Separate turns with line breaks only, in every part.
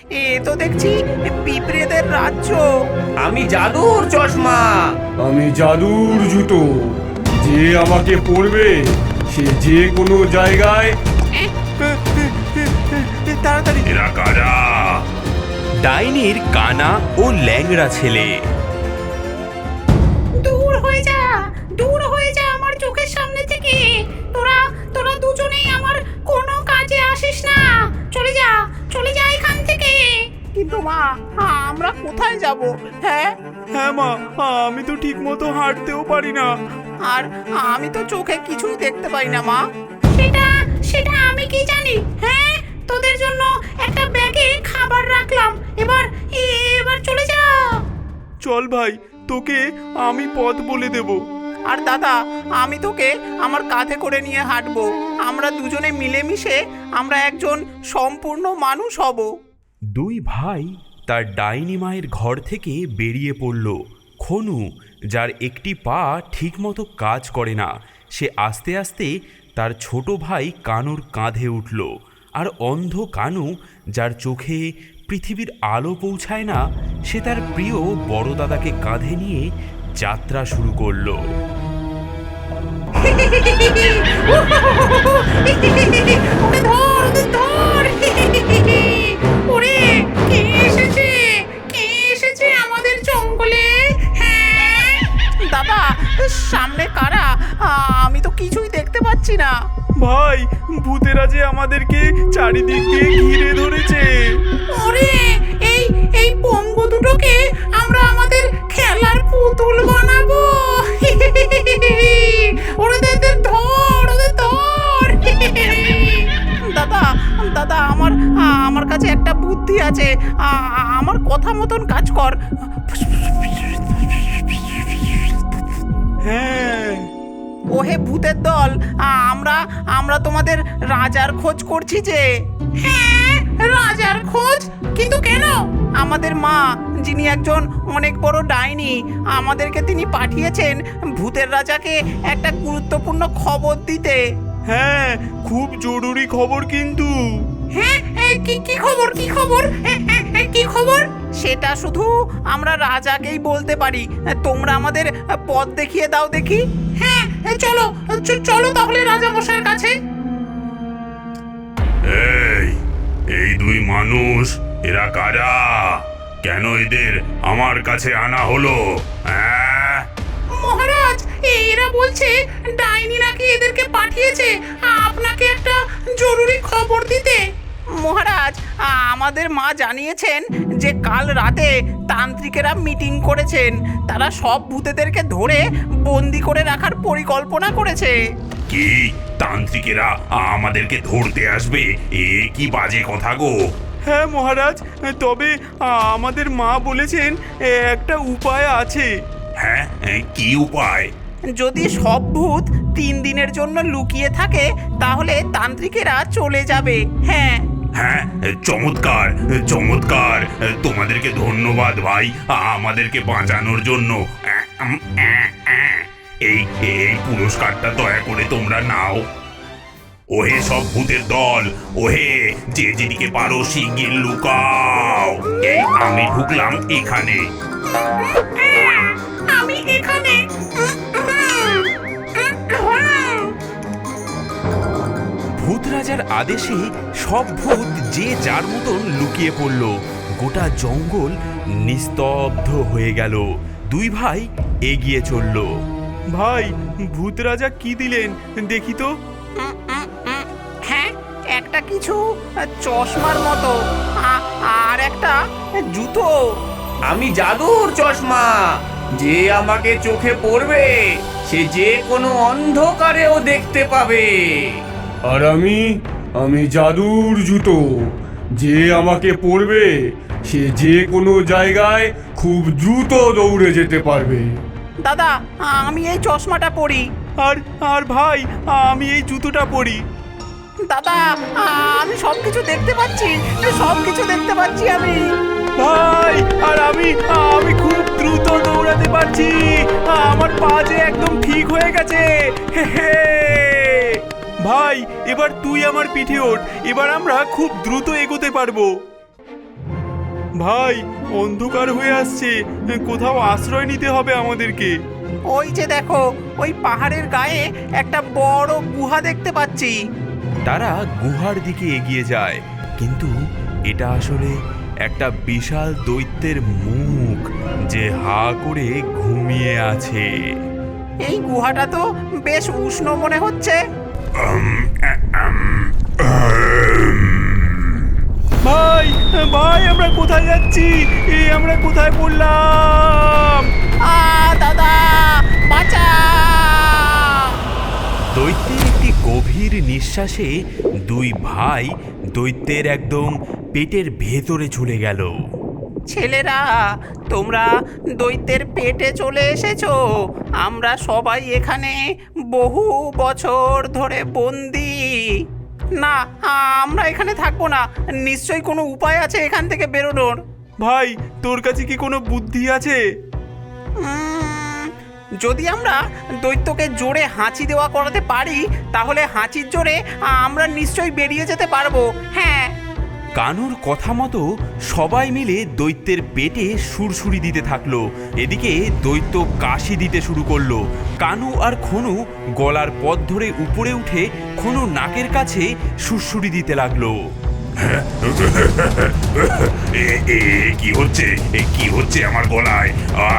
এ তো দেখছি পিঁপড়েদের রাজ্য।
আমি জাদুর চশমা।
আমি জাদুর জুতো, যে আমাকে পরবে সে যে কোনো জায়গায়।
তাড়াতাড়ি।
এরা কারা?
ডাইনির কানা ও ল্যাংড়া ছেলে।
দূর হয়ে যা, দূর হয়ে যা আমার চোখের সামনে থেকে। তোরা তোরা দুজনেই আমার কোনো কাজে আসিস না। চলে যা, চলে যা এখান থেকে।
কিন্তু মা, আমরা কোথায় যাব? হ্যাঁ
হ্যাঁ মা, আমি তো ঠিক মতো হাঁটতেও পারি না।
আর আমি তো চোখে কিছুই দেখতে পাই না মা।
সেটা সেটা আমি কি জানি? হ্যাঁ, তোদের জন্য একটা ব্যাগে খাবার রাখলাম। এবার এবার চলে যা।
চল ভাই, তোকে আমি পথ বলে দেব।
আর দাদা, আমি তোকে আমার কাঁধে করে নিয়ে হাঁটবো। আমরা দুজনে মিলেমিশে আমরা একজন সম্পূর্ণ মানুষ হব।
দুই ভাই তার ডাইনি মায়ের ঘর থেকে বেরিয়ে পড়ল। খনু, যার একটি পা ঠিকমতো কাজ করে না, সে আস্তে আস্তে তার ছোট ভাই কানুর কাঁধে উঠল। আর অন্ধ কানু, যার চোখে পৃথিবীর আলো পৌঁছায় না, সে তার প্রিয় বড় দাদাকে কাঁধে নিয়ে যাত্রা শুরু করলো।
ওরে ধর, ওরে ধর। ওরে, কে এসেছে? কে এসেছে আমাদের জঙ্গলে? হ্যাঁ,
দাদা, সামনে কারা? আমি তো কিছুই দেখতে পাচ্ছি না।
ভাই, ভূতেরা যে আমাদেরকে চারিদিক দিয়ে ঘিরে ধরেছে।
ওরে, এই এই পঙ্গু দুটোকে আমরা আমাদের খেলার পুতুল বানাবো। ওদের ধর, ওদের ধর।
দাদা, দাদা, আমার কাছে একটা বুদ্ধি আছে। আমার কথা মতন কাজ কর।
হ্যাঁ,
ওহে ভূতের দল, আমরা আমরা তোমাদের রাজার খোঁজ করছি যে।
হ্যাঁ, রাজার খোঁজ? কিন্তু কেন?
আমাদের মা, যিনি একজন অনেক বড় ডাইনি, আমাদেরকে তিনি পাঠিয়েছেন ভূতের রাজাকে একটা গুরুত্বপূর্ণ খবর দিতে।
হ্যাঁ, খুব জরুরি খবর কিন্তু।
হ্যাঁ, কি কি খবর? কি খবর? কি খবর?
সেটা শুধু আমরা রাজাকেই বলতে পারি। তোমরা আমাদের পথ দেখিয়ে দাও দেখি।
হ্যাঁ, চলো চলো তাহলে রাজা মশাইয়ের কাছে।
এই দুই মানুষ, এরা কারা? কেন এদের আমার কাছে আনা হলো? হ্যাঁ,
মহারাজ, এরা বলছে ডাইনি নাকি এদেরকে পাঠিয়েছে আপনাকে একটা জরুরি খবর দিতে।
মহারাজ, আমাদের মা জানিয়েছেন যে কাল রাতে তান্ত্রিকেরা মিটিং করেছেন। তারা সব ভূতেদেরকে ধরে বন্দি করে রাখার পরিকল্পনা করেছে।
কি তান্ত্রিকেরা আমাদেরকে ধরতে আসবে? এ কি বাজে কথা গো!
হ্যাঁ মহারাজ, তবে আমাদের মা বলেছেন একটা উপায় আছে।
হ্যাঁ, কি উপায়?
যদি সব ভূত 3 দিনের জন্য লুকিয়ে থাকে তাহলে তান্ত্রিকেরা চলে যাবে। হ্যাঁ।
হ্যাঁ, চমৎকার চমৎকার। তোমাদেরকে ধন্যবাদ ভাই, আমাদেরকে বাঁচানোর জন্য। এই এই পুরস্কারটা দয়া করে তোমরা নাও। ওহে সব ভূতের দল, ওহে যে যেদিকে পারো শিগগির লুকাও। এই আমি ঢুকলাম এখানে।
আমি এখানে।
ভূত রাজার আদেশে সব ভূত যে যার মতন লুকিয়ে পড়ল। গোটা জঙ্গল নিস্তব্ধ হয়ে গেল। দুই ভাই এগিয়ে চলল।
ভাই, ভূত রাজা কি দিলেন দেখি তো।
হ্যাঁ, একটা কিছু চশমার মতো, আর একটা জুতো।
আমি জাদুর চশমা, যে আমাকে চোখে পড়বে সে যে কোনো অন্ধকারেও দেখতে পাবে।
আর আমি জাদুর জুতো, যে আমাকে পরবে সে যে কোনো জায়গায় খুব দ্রুত দৌড়ে যেতে পারবে।
দাদা, আমি এই চশমাটা পরি।
আর ভাই, আমি এই জুতোটা পরি।
দাদা, আমি সবকিছু দেখতে পাচ্ছি, সবকিছু দেখতে পাচ্ছি আমি।
ভাই, আর আমি খুব দ্রুত দৌড়াতে পারছি। আমার পা যে একদম ঠিক হয়ে গেছে। হে হে। ভাই, এবার তুই আমার পিঠে ওঠ। এবার আমরা খুব দ্রুত এগোতে পারবো।
ভাই অন্ধকার হয়ে আসছে, কোথাও আশ্রয় নিতে হবে আমাদেরকে।
ওই যে দেখো, ওই পাহাড়ের গায়ে একটা বড় গুহা দেখতে পাচ্ছি।
তারা গুহার দিকে এগিয়ে যায়, কিন্তু এটা আসলে একটা বিশাল দৈত্যের মুখ যে হা করে ঘুমিয়ে আছে।
এই গুহাটা তো বেশ উষ্ণ মনে হচ্ছে।
ভাই ভাই আমরা কোথায় যাচ্ছি? আমরা কোথায় পড়লাম?
দাদা বাঁচা!
দৈত্যের একটি গভীর নিঃশ্বাসে দুই ভাই দৈত্যের একদম পেটের ভেতরে চলে গেল।
ছেলেরা, তোমরা দৈত্যের পেটে চলে এসেছো। আমরা সবাই এখানে বহু বছর ধরে বন্দি। না, আমরা এখানে থাকবো না। নিশ্চয়ই কোনো উপায় আছে এখান থেকে বেরোনোর।
ভাই তোর কাছে কি কোনো বুদ্ধি আছে?
যদি আমরা দৈত্যকে জোরে হাঁচি দেওয়া করাতে পারি, তাহলে হাঁচির জোরে আমরা নিশ্চয়ই বেরিয়ে যেতে পারবো। হ্যাঁ।
কানুর কথা মতো সবাই মিলে দৈত্যের পেটে সুরসুরি দিতে থাকলো। এদিকে দৈত্য কাশি দিতে শুরু করলো। কানু আর খনু গলার পথ ধরে উপরে উঠে খনু নাকের কাছে সুরসুরি দিতে লাগলো।
কি হচ্ছে? কি হচ্ছে আমার গলায়?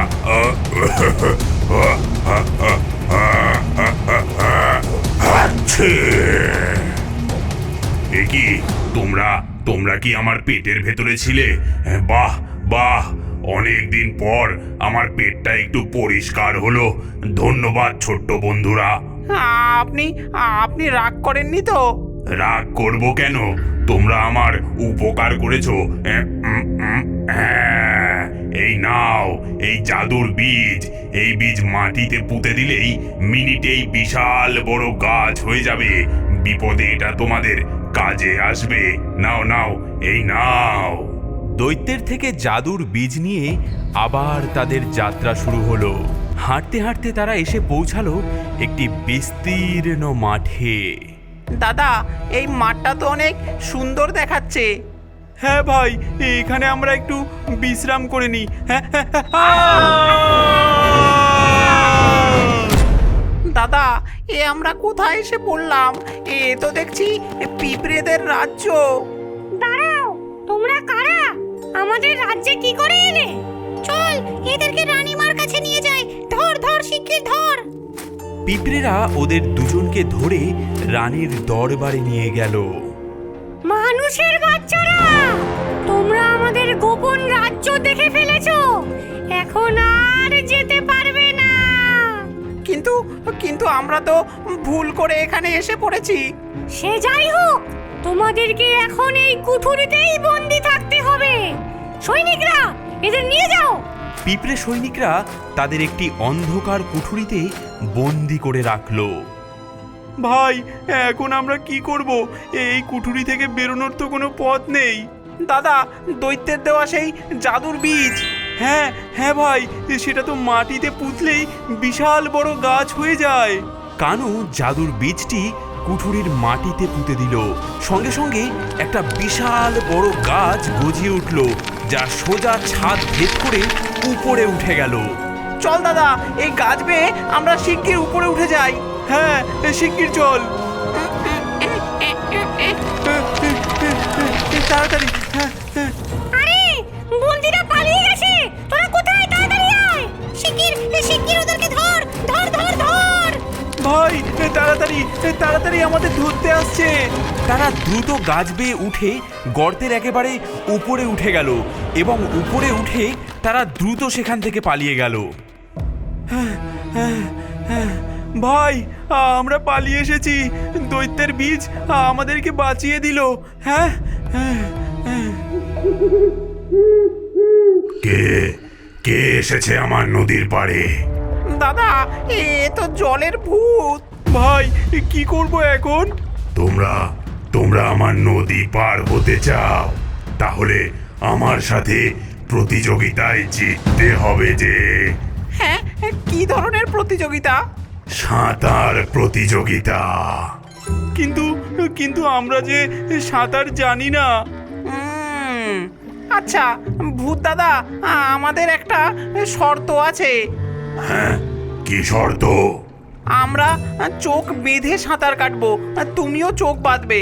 এ কি, তোমরা কি আমার পেটের ভেতরে ছিলে? বাহ বাহ, অনেক দিন পর আমার পেটটা একটু পরিষ্কার হলো। ধন্যবাদ ছোট্ট বন্ধুরা।
আপনি আপনি রাগ করেননি তো?
রাগ করব কেন? তোমরা আমার উপকার করেছো। এই নাও, এই জাদুর বীজ। এই বীজ মাটিতে পুঁতে দিলেই মিনিটেই বিশাল বড় গাছ হয়ে যাবে। বিপদে এটা তোমাদের কাজে আসবে। নাও নাও, এই নাও।
দৈত্যের থেকে জাদুর বীজ নিয়ে আবার তাদের যাত্রা শুরু হলো। হাঁটতে হাঁটতে তারা এসে পৌঁছালো একটি বিস্তীর্ণ মাঠে।
দাদা, এই মাঠটা তো অনেক সুন্দর দেখাচ্ছে।
হ্যাঁ ভাই, এখানে আমরা একটু বিশ্রাম করে নিই।
দাদা, আমরা কোথায় এসে পড়লাম? তো দেখছি পিঁপড়েদের রাজ্য।
দাঁড়াও, তোমরা কারা? আমাদের রাজ্যে কি করে এলে? চল, এদেরকে রানীমার কাছে নিয়ে যাই। ধর ধর, শিগগির ধর।
পিঁপড়েরা ওদের দুজনকে ধরে রানীর দরবারে নিয়ে গেল।
মানুষের বাচ্চারা, তোমরা আমাদের গোপন রাজ্য দেখে ফেলেছো। এখন আর যেতে পারবে না।
কিন্তু কিন্তু আমরা তো ভুল করে এখানে এসে পড়েছি।
সে যাই হোক, তোমাদেরকে এখন এই কুঠুরিতেই বন্দি থাকতে হবে। সৈনিকরা, এদের নিয়ে যাও।
পিঁপড়ে সৈনিকরা তাদের একটি অন্ধকার কুঠুরিতে বন্দি করে রাখলো। ভাই, এখন আমরা কি করব? এই কুঠুরি থেকে বেরোনোর তো কোনো পথ নেই।
দাদা, দৈত্যের দেওয়া সেই জাদুর বীজ।
হ্যাঁ হ্যাঁ ভাই, সেটা তো মাটিতে পুঁতলেই বিশাল বড় গাছ হয়ে যায়। কানু জাদুর বীজটি কুঠুরির মাটিতে পুঁতে দিল। সঙ্গে সঙ্গে একটা বিশাল বড় গাছ গজিয়ে উঠল, যা সোজা ছাদ ভেদ করে উপরে উঠে গেল।
চল দাদা, এই গাছ বেয়ে আমরা শিগগির উপরে উঠে যাই।
হ্যাঁ, শিগগির চল। তাড়াতাড়ি।
আরে, বন্দিরা পালিয়ে গেছে। তোরা কোথায়? তাড়াতাড়ি আয়। শিগগির শিগগির ওদেরকে ধর ধর ধর ধর।
ভাই, তাড়াতাড়ি তাড়াতাড়ি, আমাদের ধরতে আসছে। তারা দ্রুত গাছ বেয়ে উঠে গর্তের একেবারে উপরে উঠে গেল এবং উপরে উঠে তারা দ্রুত সেখান থেকে পালিয়ে গেল। ভাই, আমরা পালিয়ে এসেছি। দৈত্যের বীজ আমাদেরকে বাঁচিয়ে দিল। হ্যাঁ।
কে কে এসেছে আমার নদীর পাড়ে?
দাদা, এ তো জলের ভূত।
ভাই, কি করব এখন?
তোমরা আমার নদী পার হতে চাও? তাহলে আমার সাথে প্রতিযোগিতায় জিততে হবে যে।
হ্যাঁ, কি ধরনের প্রতিযোগিতা?
সাঁতার প্রতিযোগিতা।
কিন্তু আমরা যে সাঁতার জানি না।
আচ্ছা ভূত দাদা, আমাদের একটা শর্ত আছে।
কি শর্ত?
আমরা চোখ বেঁধে সাঁতার কাটবো, তুমিও চোখ বাঁধবে।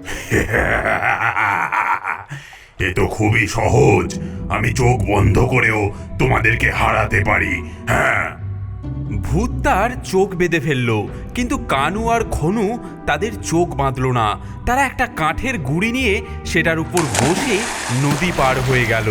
এ তো খুবই সহজ, আমি চোখ বন্ধ করেও তোমাদেরকে হারাতে পারি। হ্যাঁ,
ভূত তার চোখ বেঁধে ফেলল, কিন্তু কানু আর খনু তাদের চোখ বাঁধল না। তারা একটা কাঠের গুঁড়ি নিয়ে সেটার উপর বসে নদী পার হয়ে গেল।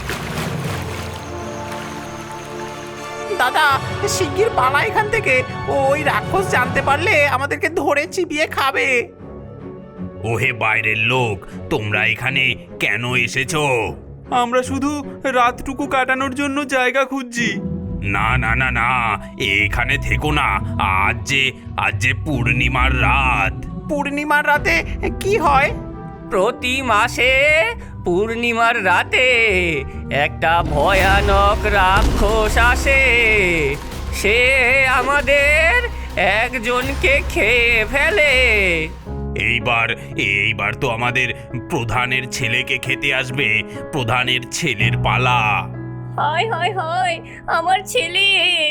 দাদা শিগগির পালা এখান থেকে, ওই রাক্ষস জানতে পারলে আমাদেরকে ধরে চিবিয়ে খাবে।
ওহে বাইরের লোক, তোমরা এখানে কেন এসেছো?
আমরা শুধু রাতটুকু কাটানোর জন্য জায়গা খুঁজছি।
না না না না, এখানে থেকো না। আজ যে পূর্ণিমার রাত।
পূর্ণিমার রাতে কি হয়?
প্রতি মাসে পূর্ণিমার রাতে একটা ভয়ানক রাক্ষস আসে। সে আমাদের একজনকে খেয়ে ফেলে।
এইবার তো আমাদের প্রধানের ছেলেকে খেতে আসবে। প্রধানের ছেলের পালা।
হায় হায় হায়, আমার ছেলে!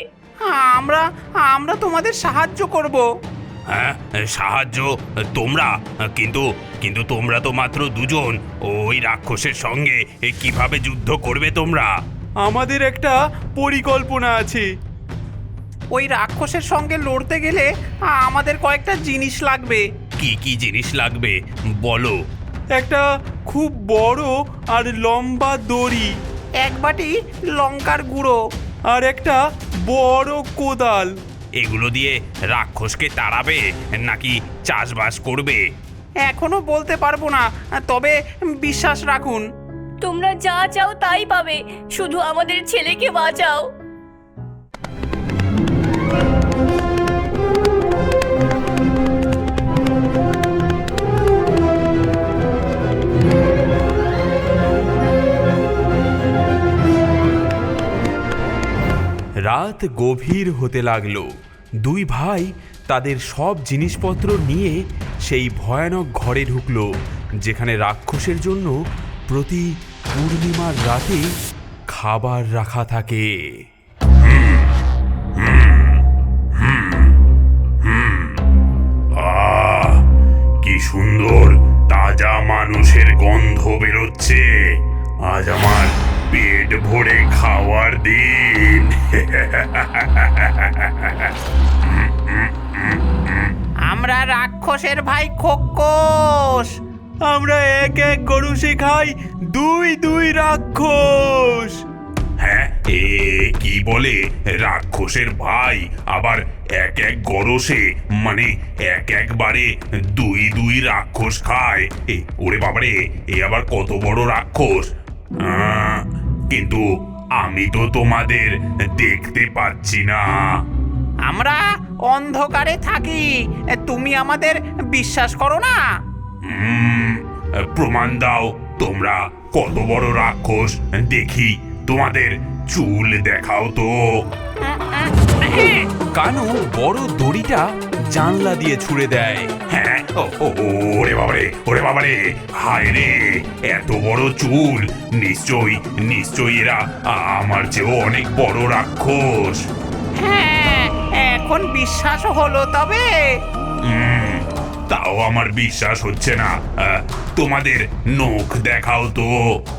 আমরা তোমাদের সাহায্য করব।
হ্যাঁ, সাহায্য? তোমরা? কিন্তু তোমরা তো মাত্র দুজন। ওই রাক্ষসের সঙ্গে কিভাবে যুদ্ধ করবে তোমরা?
আমাদের একটা পরিকল্পনা আছে।
ওই রাক্ষসের সঙ্গে লড়তে গেলে আমাদের কয়েকটা জিনিস লাগবে।
কি কি জিনিস লাগবে বলো?
একটা খুব বড় আর লম্বা দড়ি,
এক বাটি লঙ্কার গুঁড়ো,
আর একটা বড় কোদাল।
এগুলো দিয়ে রাক্ষসকে তাড়াবে নাকি চাষবাস করবে?
এখনো বলতে পারবো না, তবে বিশ্বাস রাখুন।
তোমরা যা চাও তাই পাবে, শুধু আমাদের ছেলেকে বাঁচাও।
রাত গভীর হতে লাগলো। দুই ভাই তাদের সব জিনিসপত্র নিয়ে সেই ভয়ানক ঘরে ঢুকলো, যেখানে রাক্ষসের জন্য প্রতি পূর্ণিমার রাতে খাবার রাখা থাকে।
আহ, কি সুন্দর তাজা মানুষের গন্ধ বেরোচ্ছে। আজ আমার পেট ভরে খাওয়ার দিন।
আমরা রাক্ষসের ভাই খোকস।
আমরা এক এক গরুষে খাই দুই দুই রাক্ষস।
হ্যাঁ, কি বলে রাক্ষসের ভাই আবার এক এক গরসে, মানে একবারে দুই দুই রাক্ষস খায়? ওরে বাবারে, এ আবার কত বড় রাক্ষস! কিন্তু আমি তো তোমাদের দেখতে পাচ্ছি না।
আমরা অন্ধকারে থাকি, তুমি আমাদের বিশ্বাস করো না?
প্রমাণ দাও, তোমরা কত বড় রাক্ষস দেখি। তোমাদের চুল দেখাও তো।
কানু বড় দড়িটা জানলা দিয়ে ছুঁড়ে দেয়।
হ্যাঁ, ওরে বাবারে, হায় রে, এত বড় চুল! নিশ্চয়ই এরা আমার চেয়েও অনেক বড় রাক্ষস।
হ্যাঁ, এখন বিশ্বাস হলো তবে?
তাও আমার বিশ্বাস হচ্ছে না। তোমাদের নখ দেখাও তো।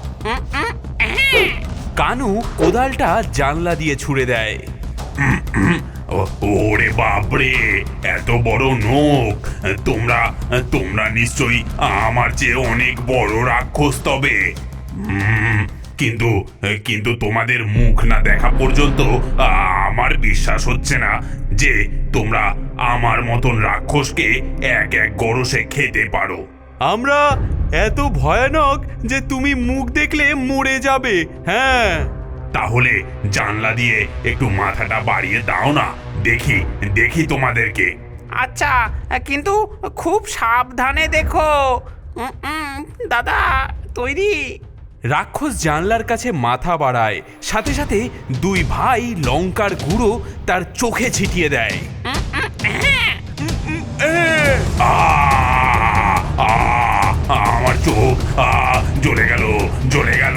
কানু কোদালটা জানলা দিয়ে ছুঁড়ে দেয়।
ওরে বাপরে, এত বড় নখ! তোমরা নিশ্চয়ই আমার চেয়ে অনেক বড় রাক্ষস তবে। কিন্তু তোমাদের মুখ না দেখা পর্যন্ত আমার বিশ্বাস হচ্ছে না যে তোমরা আমার মতন রাক্ষসকে এক এক গরসে খেতে পারো।
আমরা এত ভয়ানক যে তুমি মুখ দেখলে মরে যাবে। হ্যাঁ,
তাহলে জানলা দিয়ে একটু মাথাটা বাড়িয়ে দাও না, দেখি তোমাদেরকে।
আচ্ছা, কিন্তু খুব সাবধানে দেখো। দাদা তৈরি?
রাক্ষস জানলার কাছে মাথা বাড়ায়, সাথে সাথে দুই ভাই লঙ্কার গুঁড়ো তার চোখে ছিটিয়ে দেয়।
আমার চোখ! জ্বলে গেল জ্বলে গেল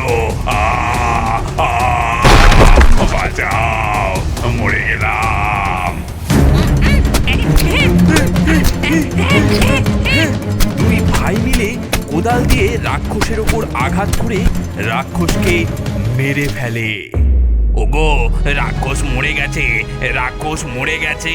বাঁচাও, মরে গেলাম।
দুই ভাই মিলে কোদাল দিয়ে রাক্ষসের ওপর আঘাত করে রাক্ষসকে মেরে ফেলে।
ওগো, রাক্ষস মরে গেছে, রাক্ষস মরে গেছে।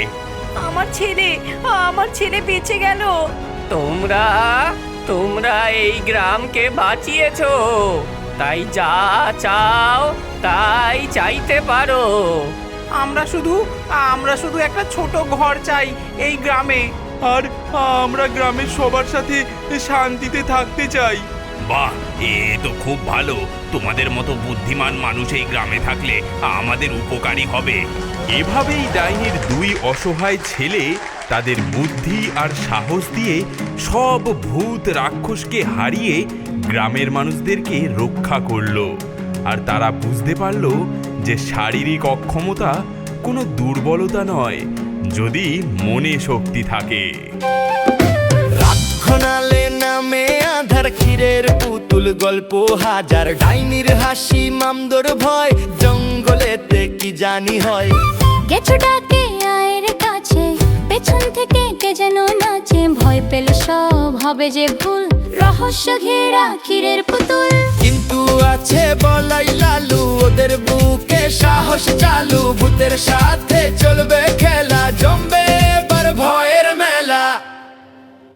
আমার ছেলে বেঁচে গেল।
তোমরা তোমরা এই গ্রামকে বাঁচিয়েছো, তাই যা চাও তাই চাইতে পারো। আমরা শুধু একটা ছোট ঘর চাই এই গ্রামে।
আর আমরা গ্রামের সবার সাথে শান্তিতে থাকতে চাই।
বাহ, এ তো খুব ভালো। তোমাদের মতো বুদ্ধিমান মানুষ এই গ্রামে থাকলে আমাদের উপকারী হবে।
এভাবেই ডাইনির দুই অসহায় ছেলে তাদের বুদ্ধি আর সাহস দিয়ে সব ভূত রাক্ষসকে হারিয়ে গ্রামের মানুষদেরকে রক্ষা করলো। আর তারা বুঝতে পারল যে শারীরিক অক্ষমতা কোনো দুর্বলতা নয়, যদি মনে শক্তি থাকে।
রাক্ষণালে নামে আধার ক্ষীরের পুতুল গল্প হাজার, ডাইনির হাসি মামদোর ভয়, জঙ্গলেতে কি জানি হয়।
গেছো ডাকে আয়ের কাছে, পেছন থেকে কে যেন নাচে, ভয় পেলে সব হবে যে ভুল, রহস্য ঘেরা ক্ষীরের পুতুল।
কিন্তু আছে বলাই লালু, ওদের বুকে সাহস চালু, ভূতের সাথে চলবে